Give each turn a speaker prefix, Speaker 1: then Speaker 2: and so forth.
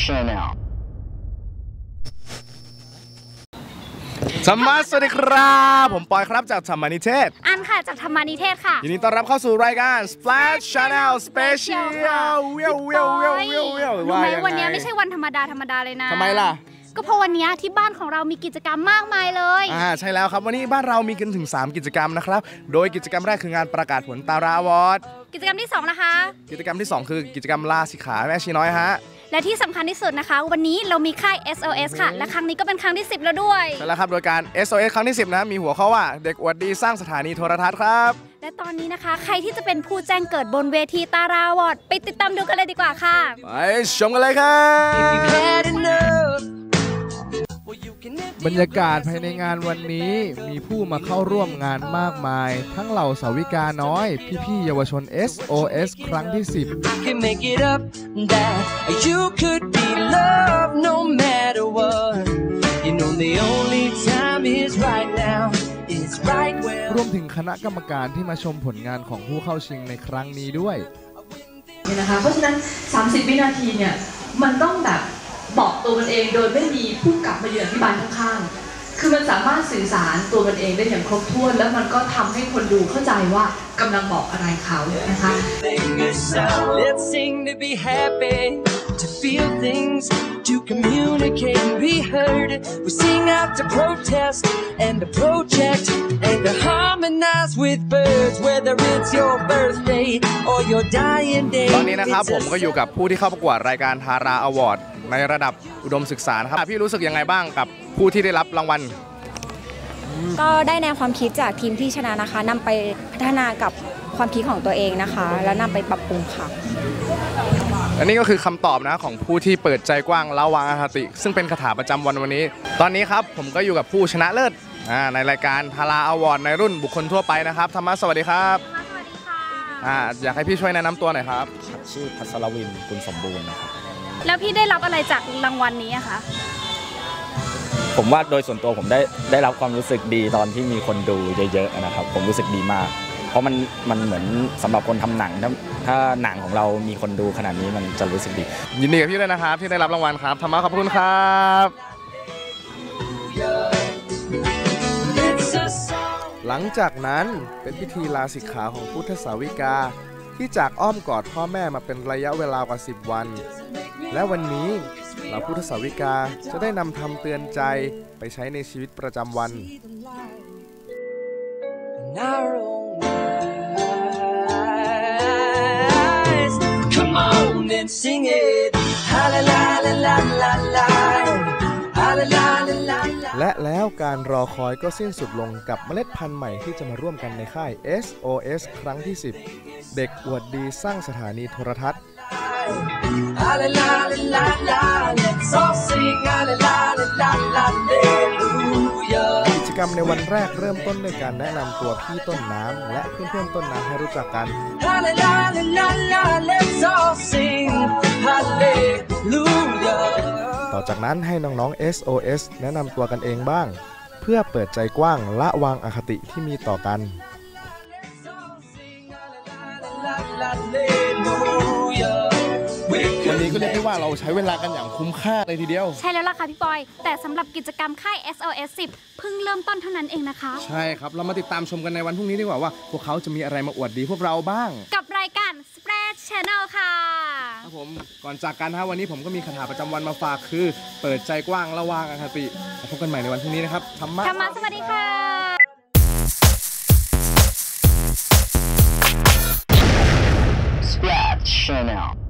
Speaker 1: Channel
Speaker 2: ธรรมะสวัสดีครับผมปอยครับจากธรรมนิเทศ
Speaker 3: อันค่ะจากธรรมนิเทศค่ะ
Speaker 2: ยินดีต้อนรับเข้าสู่รายการ Splash Channel Special
Speaker 3: รู้ไหมวันนี้ไม่ใช่วันธรรมดาเลยนะ
Speaker 2: ทำไมล่ะ
Speaker 3: ก็เพราะวันนี้ที่บ้านของเรามีกิจกรรมมากมายเลย
Speaker 2: ใช่แล้วครับวันนี้บ้านเรามีกันถึง3กิจกรรมนะครับโดยกิจกรรมแรกคืองานประกาศผลตาราอวอร์ด
Speaker 3: กิจกรรมที่2นะคะ
Speaker 2: กิจกรรมที่2คือกิจกรรมลาสิกขาแม่ชีน้อยฮะ
Speaker 3: และที่สำคัญที่สุดนะคะวันนี้เรามีค่าย SOS ค่ะและครั้งนี้ก็เป็นครั้งที่10แล้วด้วย
Speaker 2: ใช่แล้วครับโดยการ SOS ครั้งที่10นะมีหัวข้อว่าเด็กอวดดีสร้างสถานีโทรทัศน์ครับ
Speaker 3: และตอนนี้นะคะใครที่จะเป็นผู้แจ้งเกิดบนเวทีตาราวอร์ดไปติดตามดูกันเลยดีกว่าค่ะ
Speaker 2: ไปชมกันเลยครับบรรยากาศภายในงานวันนี้มีผู้มาเข้าร่วมงานมากมายทั้งเหล่าสาวิกาน้อยพี่ๆเยาวชน SOS ครั้งที่10รวมถึงคณะกรรมการที่มาชมผลงานของผู้เข้าชิงในครั้งนี้ด้วย
Speaker 4: เนี่ยนะคะเพราะฉะนั้น30วินาทีเนี่ยมันต้องแบบบอกตัวมันเองโดยไม่มีผู้กลับมายืนอธิบายข้างๆคือมันสามารถสื่อสารตัวมันเองได้อย่างครบถ้วนแล้วมันก็ทำให้คนดูเข้าใจว่ากำลังบอกอะไรเขานะคะ Let's sing to be happy to feel things to communicate and be heard we sing out to protest and to project and to harmonize with birds whether it's your birthday or your dying day ตอนนี้นะครับผมก็อยู่กับผู้ที่เข้าประกวดรายการทาราอวอร์ดในระดับอุดมศึกษาครับพี่รู้สึกยังไงบ้างกับผู้ที่ได้รับรางวัล
Speaker 5: ก็ได้แนวความคิดจากทีมที่ชนะนะคะนำไปพัฒนากับความคิดของตัวเองนะคะแล้วนำไปปรับปรุงค่ะ
Speaker 2: อันนี้ก็คือคำตอบนะของผู้ที่เปิดใจกว้างละวางอคติซึ่งเป็นคาถาประจำวันนี้ตอนนี้ครับผมก็อยู่กับผู้ชนะเลิศในรายการทาราอวอร์ดในรุ่นบุคคลทั่วไปนะครับธรรมะสวัสดีครับ
Speaker 3: สวัสดีค่ะ
Speaker 2: อยากให้พี่ช่วยแนะนำตัวหน่อยครับ
Speaker 6: ชื่อพัสรวินกุลสมบูรณ์นะครับ
Speaker 3: แล้วพี่ได้รับอะไรจากรางวัลนี้อะคะ
Speaker 6: ผมว่าโดยส่วนตัวผมได้รับความรู้สึกดีตอนที่มีคนดูเยอะๆนะครับผมรู้สึกดีมากเพราะมันเหมือนสำหรับคนทำหนังถ้าหนังของเรามีคนดูขนาดนี้มันจะรู้สึกดี
Speaker 2: ยินดีกับพี่ด้วยนะครับที่ได้รับรางวัลครับธรรมะขอบคุณครับหลังจากนั้นเป็นพิธีลาสิกขาของพุทธสาวิกาที่จากอ้อมกอดพ่อแม่มาเป็นระยะเวลากว่า10วันและวันนี้เหล่าพุทธสาวิกาจะได้นำธรรมเตือนใจไปใช้ในชีวิตประจำวันและแล้วการรอคอยก็สิ้นสุดลงกับเมล็ดพันธุ์ใหม่ที่จะมาร่วมกันในค่าย SOS ครั้งที่10เด็กอวดดีสร้างสถานีโทรทัศน์กิจกรรมในวันแรกเริ่มต้นด้วยการแนะนำตัวพี่ต้นน้ำและเพื่อนๆต้นน้ำให้รู้จักกันต่อจากนั้นให้น้องๆ SOS แนะนำตัวกันเองบ้างเพื่อเปิดใจกว้างละวางอคติที่มีต่อกันวันนี้ก็เรียกได้ว่าเราใช้เวลากันอย่างคุ้มค่าเลยทีเดียว
Speaker 3: ใช่แล้วล่ะค่ะพี่ปอยแต่สำหรับกิจกรรมค่าย SOS 10เพิ่งเริ่มต้นเท่านั้นเองนะคะ
Speaker 2: ใช่ครับเรามาติดตามชมกันในวันพรุ่งนี้ดีกว่าพวกเขาจะมีอะไรมาอวดดีพวกเราบ้าง
Speaker 3: กับรายการ Splash Channel ค่ะ
Speaker 2: ครับผมก่อนจากกันวันนี้ผมก็มีคาถาประจำวันมาฝากคือเปิดใจกว้างละวางอคติพบกันใหม่ในวันพรุ่งนี้นะครับธรรมะ
Speaker 3: สวัสดีค่ะ
Speaker 1: Splash Channel